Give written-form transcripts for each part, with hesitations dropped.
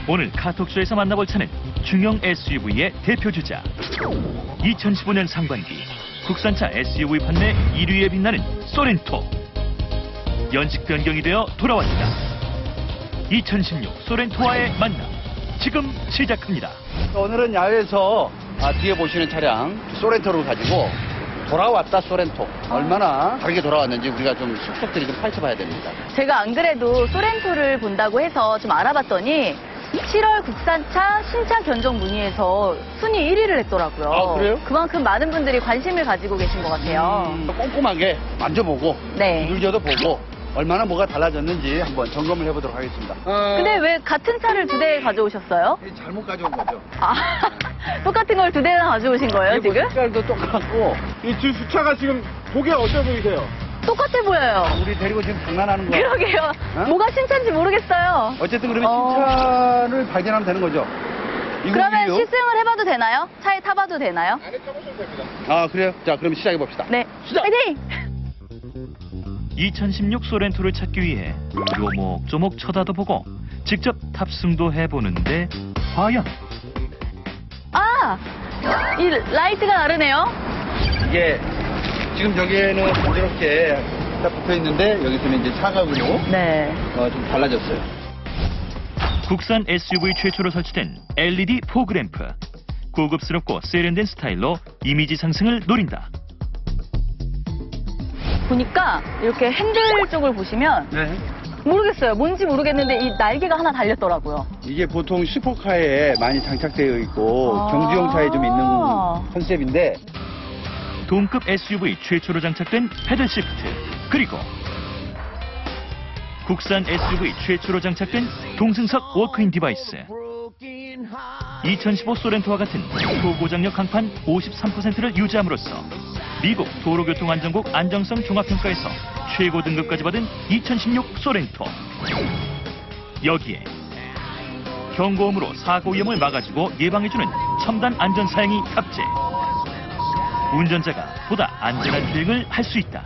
오늘 카톡쇼에서 만나볼 차는 중형 SUV의 대표주자. 2015년 상반기 국산차 SUV 판매 1위에 빛나는 소렌토. 연식 변경이 되어 돌아왔다. 2016 소렌토와의 만남 지금 시작합니다. 오늘은 야외에서 뒤에 보시는 차량 소렌토를 가지고 돌아왔다 소렌토. 얼마나 다르게 돌아왔는지 우리가 좀 속속들이 좀 파헤쳐봐야 됩니다. 제가 안 그래도 소렌토를 본다고 해서 좀 알아봤더니 7월 국산차 신차 견적 문의에서 순위 1위를 했더라고요. 아, 그래요? 그만큼 많은 분들이 관심을 가지고 계신 것 같아요. 꼼꼼하게 만져보고 네. 두들겨도 보고 얼마나 뭐가 달라졌는지 한번 점검을 해보도록 하겠습니다. 근데 왜 같은 차를 두 대 가져오셨어요? 잘못 가져온 거죠. 아, 똑같은 걸 두 대나 가져오신 거예요, 그리고 지금? 색깔도 똑같고 이 두 주차가 지금 보기 어떠 보이세요? 똑같아 보여요. 우리 데리고 지금 장난하는 거야. 그러게요. 어? 뭐가 신차인지 모르겠어요. 어쨌든 그러면 신차를 발견하면 되는 거죠. 그러면 이거요? 시승을 해봐도 되나요? 차에 타봐도 되나요? 안에 타보시면 됩니다. 아 그래요? 자 그럼 시작해 봅시다. 네. 시작! 파이팅! 2016 소렌토를 찾기 위해 요목조목 쳐다도 보고 직접 탑승도 해보는데 과연 아! 이 라이트가 다르네요. 이게 지금 여기에는 부드럽게 딱 붙어 있는데 여기서는 이제 사각으로 네. 좀 달라졌어요. 국산 SUV 최초로 설치된 LED 포그램프. 고급스럽고 세련된 스타일로 이미지 상승을 노린다. 보니까 이렇게 핸들 쪽을 보시면 네. 모르겠어요. 뭔지 모르겠는데 이 날개가 하나 달렸더라고요. 이게 보통 슈퍼카에 많이 장착되어 있고 아. 경주용차에 좀 있는 컨셉인데 동급 SUV 최초로 장착된 패들 시프트. 그리고 국산 SUV 최초로 장착된 동승석 워크인 디바이스. 2015 소렌토와 같은 초고장력 강판 53%를 유지함으로써 미국 도로교통안전국 안정성 종합평가에서 최고 등급까지 받은 2016 소렌토. 여기에 경고음으로 사고 위험을 막아주고 예방해주는 첨단 안전사양이 탑재. 운전자가 보다 안전한 주행을 할 수 있다.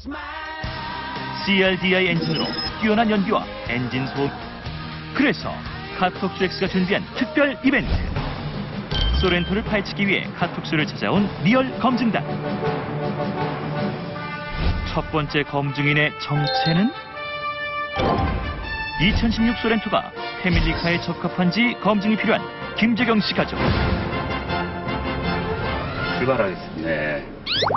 CRDI 엔진으로 뛰어난 연비와 엔진 소음. 그래서 카톡쇼X가 준비한 특별 이벤트. 소렌토를 파헤치기 위해 카톡쇼를 찾아온 리얼 검증단. 첫 번째 검증인의 정체는 2016 소렌토가 패밀리카에 적합한지 검증이 필요한 김재경 씨 가족. 출발하겠습니다. 네.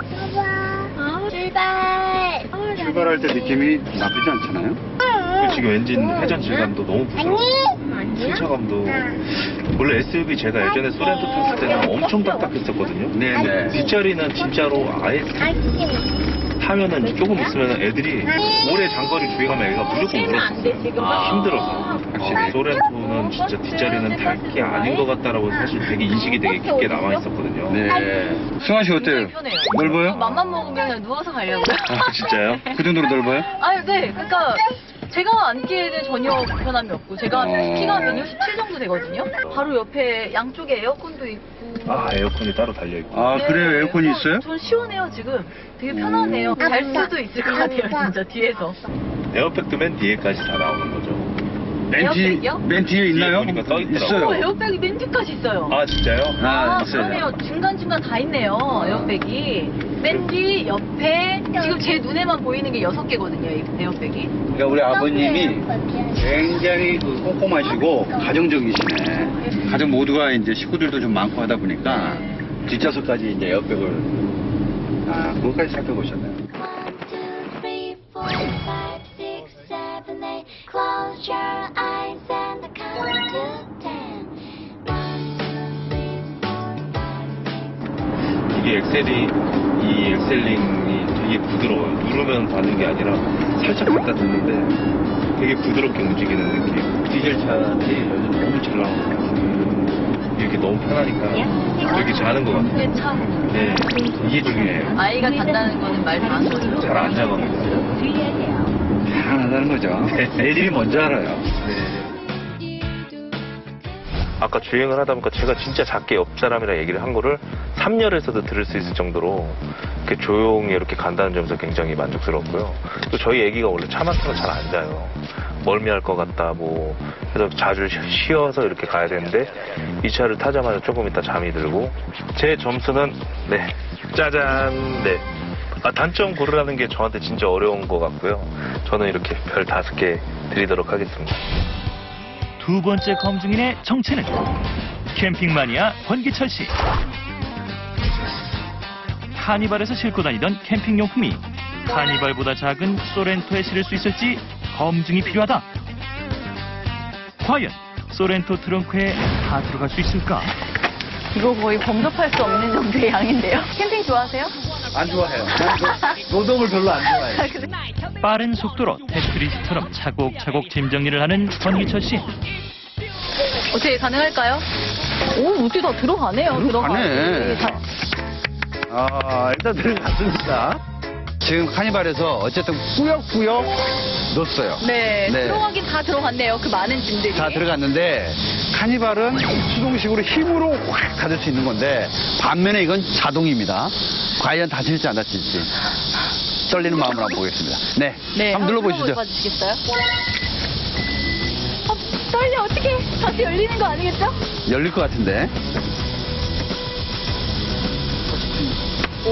출발. 출발할 때 느낌이 나쁘지 않잖아요. 지금 엔진 회전 질감도 너무 부드럽고 승차감도 원래 SUV 제가 예전에 소렌토 탔을 때는 엄청 딱딱했었거든요. 네네. 뒷자리는 진짜로 아예 타면은 조금 있으면 애들이 오래 장거리 주행하면 애가 무조건 울었었어요. 힘들어서. 확실히 소렌토는 진짜 뒷자리는 탈 게 아닌 것 같다라고 사실 되게 인식이 되게 깊게 남아있었거든요. 네. 승환 씨 어때요? 편해요. 넓어요? 맘만 먹으면 누워서 가려고요. 아, 진짜요? 그 정도로 넓어요? 아, 네. 그러니까 제가 앉기에는 전혀 불편함이 없고 제가 키가 167 정도 되거든요. 바로 옆에 양쪽에 에어컨도 있고. 아, 에어컨이 따로 달려있고. 아 네, 그래요? 에어컨이 있어요? 전 시원해요 지금. 되게 편하네요. 잘 수도 있을 것 같아요 진짜 뒤에서. 에어백도 맨 뒤에까지 다 나오는 거죠. 에어백이요? 맨 뒤에 있나요? 뒤에 보니까 떠있더라고요. 있어요. 에어백이 맨 뒤까지 있어요. 아, 진짜요? 아, 있어요. 그러네요. 중간중간 다 있네요. 에어백이. 맨 뒤, 옆에 지금 제 눈에만 보이는 게 6개거든요. 이 에어백이. 그러니까 우리 아버님이 굉장히 꼼꼼하시고 가정적이시네. 가족 모두가 이제 식구들도 좀 많고 하다 보니까 뒷좌석까지 이제 에어백을 그것까지 살펴보셨네요. 1, 2, 3, 4, 5, 6, 7, 8. Close your eyes and count to 10. 1, 2, 3, 4, 5, 6, 7, 8. 이게 이 엑셀링이 되게 부드러워요. 누르면 닿는 게 아니라 살짝 갖다 댔는데 되게 부드럽게 움직이는 느낌. 디젤 차들이 요즘 너무 잘 나오고 이렇게 너무 편하니까 되게 자는 것 같아요. 그게 참 네, 이게 중요해요. 아이가 잔다는 거는 말 다 안 거죠. 잘 안 잡아먹어요. 편안하다는 거죠. 애들이 먼저 알아요. 아까 주행을 하다 보니까 제가 진짜 작게 옆 사람이랑 얘기를 한 거를 3열에서도 들을 수 있을 정도로 이렇게 조용히 이렇게 간다는 점에서 굉장히 만족스럽고요. 또 저희 애기가 원래 차 막히면 잘 안 자요. 멀미할 것 같다 뭐 해서 자주 쉬어서 이렇게 가야 되는데 이 차를 타자마자 조금 있다 잠이 들고 제 점수는 네 짜잔 네 단점 고르라는 게 저한테 진짜 어려운 것 같고요. 저는 이렇게 별 5개 드리도록 하겠습니다. 두 번째 검증인의 정체는 캠핑 마니아 권기철 씨. 카니발에서 싣고 다니던 캠핑용품이 카니발보다 작은 소렌토에 실을 수 있을지 검증이 필요하다. 과연 소렌토 트렁크에 다 들어갈 수 있을까? 이거 거의 범접할 수 없는 정도의 양인데요. 캠핑 좋아하세요? 안 좋아해요. 노동을 별로 안 좋아해요. 빠른 속도로 테트리스처럼 차곡차곡 짐 정리를 하는 권기철 씨. 어떻게 가능할까요? 오, 어떻게 다 들어가네요. 들어가네. 일단 들어갔습니다. 지금 카니발에서 어쨌든 꾸역꾸역 넣었어요. 네, 네. 들어가긴 다 들어갔네요. 그 많은 짐들이. 다 들어갔는데 카니발은 수동식으로 힘으로 확 닫을 수 있는 건데 반면에 이건 자동입니다. 과연 닫힐지 안 닫힐지 떨리는 마음으로 한번 보겠습니다. 네, 네, 한번 눌러보시죠. 봐주시겠어요? 떨려, 어떻게? 다시 열리는 거 아니겠죠? 열릴 것 같은데. 오,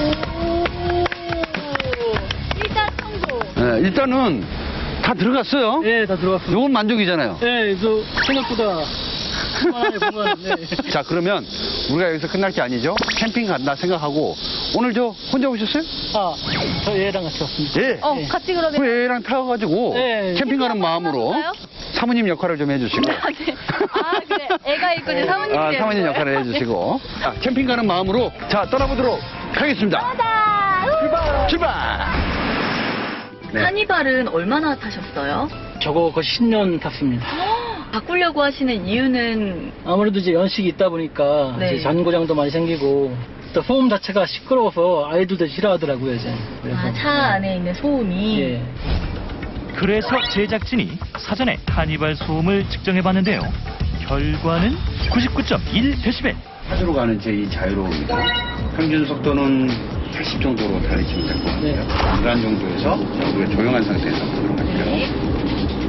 일단 성공. 네, 일단은 다 들어갔어요. 네, 다 들어갔습니다. 이건 만족이잖아요. 네, 저 생각보다 보면 네. 자, 그러면 우리가 여기서 끝날 게 아니죠? 캠핑 간다 생각하고 오늘 저 혼자 오셨어요? 저 얘랑 같이 왔습니다. 예. 같이 그러면. 그 애랑 타가지고 네. 캠핑 가는 마음으로 해볼까요? 사모님 역할을 좀 해주시고. 네. 아, 그래. 애가 있고 이제 사모님이 되는 사모님 거예요? 역할을 해주시고. 자, 캠핑 가는 마음으로 자 떠나보도록 하겠습니다. 가자! 출발! 네. 카니발은 얼마나 타셨어요? 저거 거의 10년 탔습니다. 바꾸려고 하시는 이유는 아무래도 이제 연식이 있다 보니까 네. 이제 잔고장도 많이 생기고 또 소음 자체가 시끄러워서 아이들도 싫어하더라고요, 이제. 그래서 차 안에 있는 소음이 예. 그래서 제작진이 사전에 카니발 소음을 측정해봤는데요. 결과는 99.1데시벨. 차주로 가는 제 이 자유로움입니다. 평균 속도는 80 정도로 달리시면 될 것 같아요. 네. 중간 정도에서 우리가 조용한 상태에서 보도록 할게요.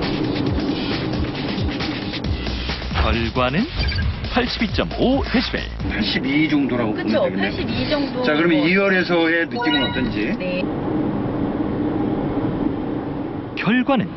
결과는 82.5데시벨. 82 정도라고 그쵸? 보면 되겠네요. 82 정도. 자, 그러면 2열에서의 느낌은 어떤지? 네. 결과는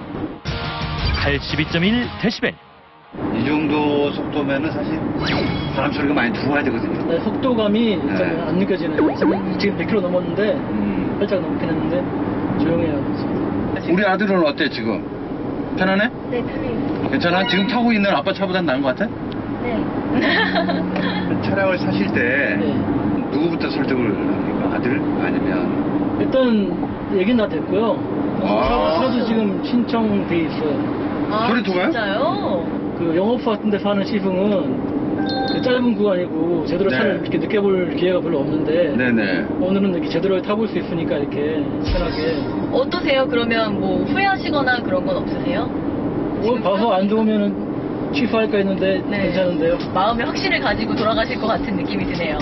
82.1데시벨. 이 정도 속도면은 사실 바람 소리가 많이 들어와야 되거든요. 네, 속도감이 일단 네. 안 느껴지네요. 지금 100km 넘었는데 살짝 넘긴 했는데 조용해요. 우리 아들은 어때 지금? 편안해? 네, 편해요. 괜찮아? 지금 타고 있는 아빠 차보단 나은 것 같아? 네. 차량을 사실 때 네. 누구부터 설득을 합니까? 아들? 아니면 일단 얘기는 다 됐고요. 차도 지금 신청돼 있어요. 아, 소리토가요? 진짜요? 그 영업소 같은 데서 하는 시승은 그 짧은 구간이고 제대로 네. 차를 이렇게 느껴볼 기회가 별로 없는데 네네. 오늘은 이렇게 제대로 타볼 수 있으니까 이렇게 편하게 어떠세요? 그러면 뭐 후회하시거나 그런 건 없으세요? 오늘 봐서 안 좋으면은 취소할까 했는데 네. 괜찮은데요. 마음의 확신을 가지고 돌아가실 것 같은 느낌이 드네요.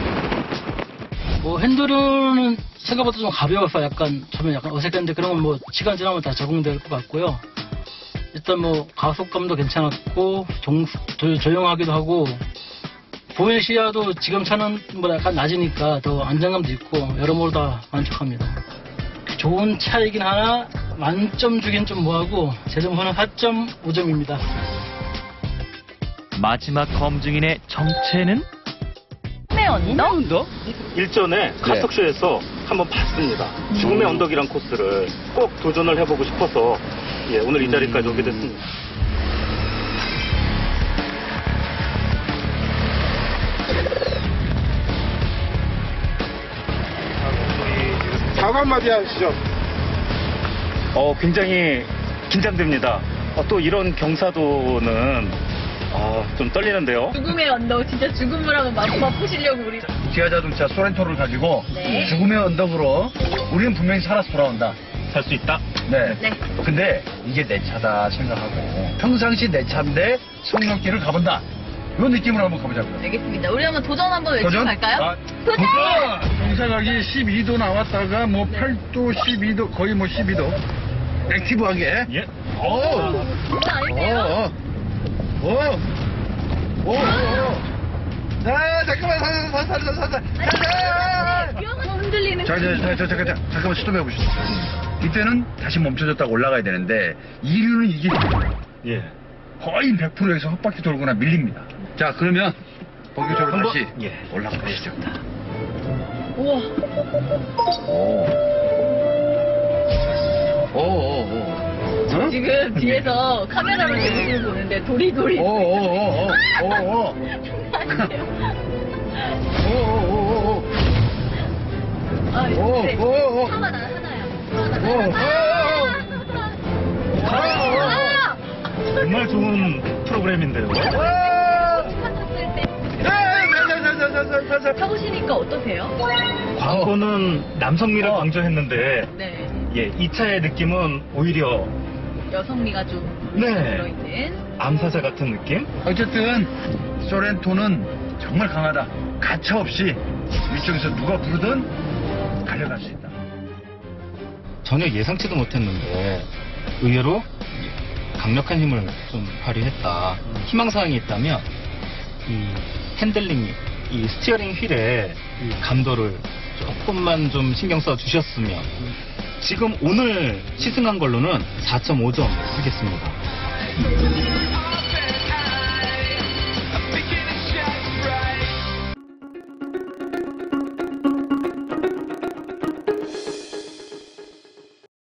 뭐 핸들은 생각보다 좀 가벼워서 약간 처음에 약간 어색했는데 그런 건 뭐 시간 지나면 다 적응될 것 같고요. 일단 뭐 가속감도 괜찮았고 조용하기도 하고 보행 시야도 지금 차는 뭐 약간 낮으니까 더 안정감도 있고 여러모로 다 만족합니다. 좋은 차이긴 하나 만점 주긴 좀 뭐하고 제 점수는 4.5점입니다. 마지막 검증인의 정체는 꿈의 언덕? 일전에 카톡쇼에서 한번 봤습니다. 죽음의 언덕이란 코스를 꼭 도전을 해보고 싶어서 예, 오늘 이 자리까지 오게 됐습니다. 사과 한마디 하시죠. 굉장히 긴장됩니다. 또 이런 경사도는 좀 떨리는데요. 죽음의 언덕, 진짜 죽음을 한번 맛보시려고 우리. 기아 자동차 소렌토를 가지고 네. 죽음의 언덕으로 우리는 분명히 살아서 돌아온다. 살 수 있다. 네. 네. 근데 이게 내 차다 생각하고 평상시 내 차인데 성령길을 가본다. 이런 느낌으로 한번 가보자고요. 알겠습니다. 우리 한번 도전 한번 외치고 갈까요? 도전! 경사각이 12도 나왔다가 뭐 8도, 12도, 거의 뭐 12도. 액티브하게. 예. 장난 아닌데요? 잠깐만, 뼈가 흔들리는 잠깐만 스톱해 보시죠. 이때는 다시 멈춰졌다가 올라가야 되는데, 이류는 이게 예. 거의 100%에서 헛바퀴 돌거나 밀립니다. 자, 그러면 본격적으로 한번, 다시 예. 올라가 보시죠. 우와. 오. 지금 뒤에서 카메라로 제 모습을 보는데 도리도리. 오. 장난 아니에요. 오. 아, 오, 네. 오, 오. 하나야. 정말 좋은 프로그램인데요. 타보시니까 어떠세요? 광고는 남성미를 강조했는데, 네. 예, 이 차의 느낌은 오히려 여성미가 좀 네. 들어있는. 암사자 같은 느낌? 어쨌든 소렌토는 정말 강하다. 가차 없이 이쪽에서 누가 부르든 달려갈 수 있다. 전혀 예상치도 못했는데 의외로 강력한 힘을 좀 발휘했다. 희망사항이 있다면 이 핸들링, 이 스티어링 휠에 이 감도를 조금만 좀 신경 써 주셨으면 지금 오늘 시승한 걸로는 4.5점 쓰겠습니다.